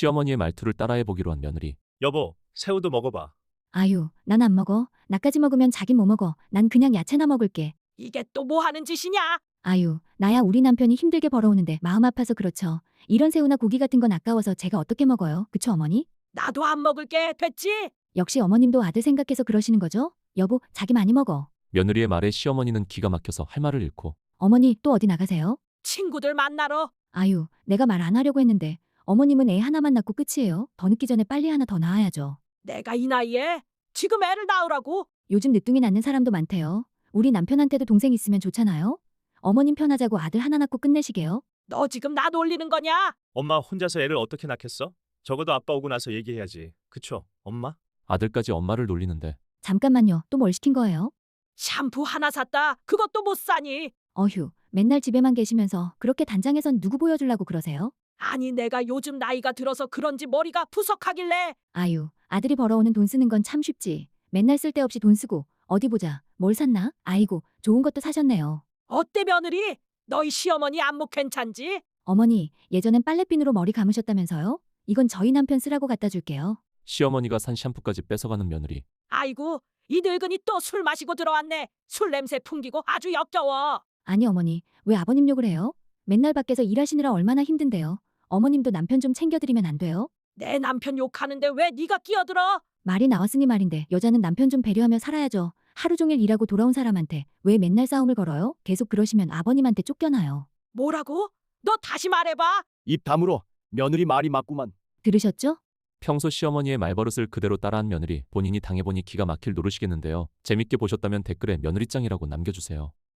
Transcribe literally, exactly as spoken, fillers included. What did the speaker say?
시어머니의 말투를 따라해보기로 한 며느리. 여보, 새우도 먹어봐. 아유, 난 안 먹어. 나까지 먹으면 자긴 뭐 먹어. 난 그냥 야채나 먹을게. 이게 또 뭐 하는 짓이냐? 아유, 나야 우리 남편이 힘들게 벌어오는데 마음 아파서 그렇죠. 이런 새우나 고기 같은 건 아까워서 제가 어떻게 먹어요? 그쵸, 어머니? 나도 안 먹을게. 됐지? 역시 어머님도 아들 생각해서 그러시는 거죠? 여보, 자기 많이 먹어. 며느리의 말에 시어머니는 기가 막혀서 할 말을 잃고. 어머니, 또 어디 나가세요? 친구들 만나러. 아유, 내가 말 안 하려고 했는데 어머님은 애 하나만 낳고 끝이에요. 더 늦기 전에 빨리 하나 더 낳아야죠. 내가 이 나이에 지금 애를 낳으라고? 요즘 늦둥이 낳는 사람도 많대요. 우리 남편한테도 동생 있으면 좋잖아요. 어머님 편하자고 아들 하나 낳고 끝내시게요. 너 지금 나 놀리는 거냐? 엄마 혼자서 애를 어떻게 낳겠어? 적어도 아빠 오고 나서 얘기해야지. 그쵸, 엄마? 아들까지 엄마를 놀리는데. 잠깐만요. 또 뭘 시킨 거예요? 샴푸 하나 샀다. 그것도 못 사니? 어휴, 맨날 집에만 계시면서 그렇게 단장에선 누구 보여주려고 그러세요? 아니 내가 요즘 나이가 들어서 그런지 머리가 푸석하길래. 아유, 아들이 벌어오는 돈 쓰는 건 참 쉽지. 맨날 쓸데없이 돈 쓰고 어디 보자. 뭘 샀나? 아이고, 좋은 것도 사셨네요. 어때 며느리? 너희 시어머니 안목 괜찮지? 어머니, 예전엔 빨래비누로 머리 감으셨다면서요? 이건 저희 남편 쓰라고 갖다 줄게요. 시어머니가 산 샴푸까지 뺏어가는 며느리. 아이고 이 늙은이 또 술 마시고 들어왔네. 술 냄새 풍기고 아주 역겨워. 아니 어머니, 왜 아버님 욕을 해요? 맨날 밖에서 일하시느라 얼마나 힘든데요. 어머님도 남편 좀 챙겨드리면 안 돼요? 내 남편 욕하는데 왜 네가 끼어들어? 말이 나왔으니 말인데 여자는 남편 좀 배려하며 살아야죠. 하루 종일 일하고 돌아온 사람한테 왜 맨날 싸움을 걸어요? 계속 그러시면 아버님한테 쫓겨나요. 뭐라고? 너 다시 말해봐. 입 다물어. 며느리 말이 맞구만. 들으셨죠? 평소 시어머니의 말버릇을 그대로 따라한 며느리. 본인이 당해보니 기가 막힐 노릇이겠는데요. 재밌게 보셨다면 댓글에 며느리짱이라고 남겨주세요.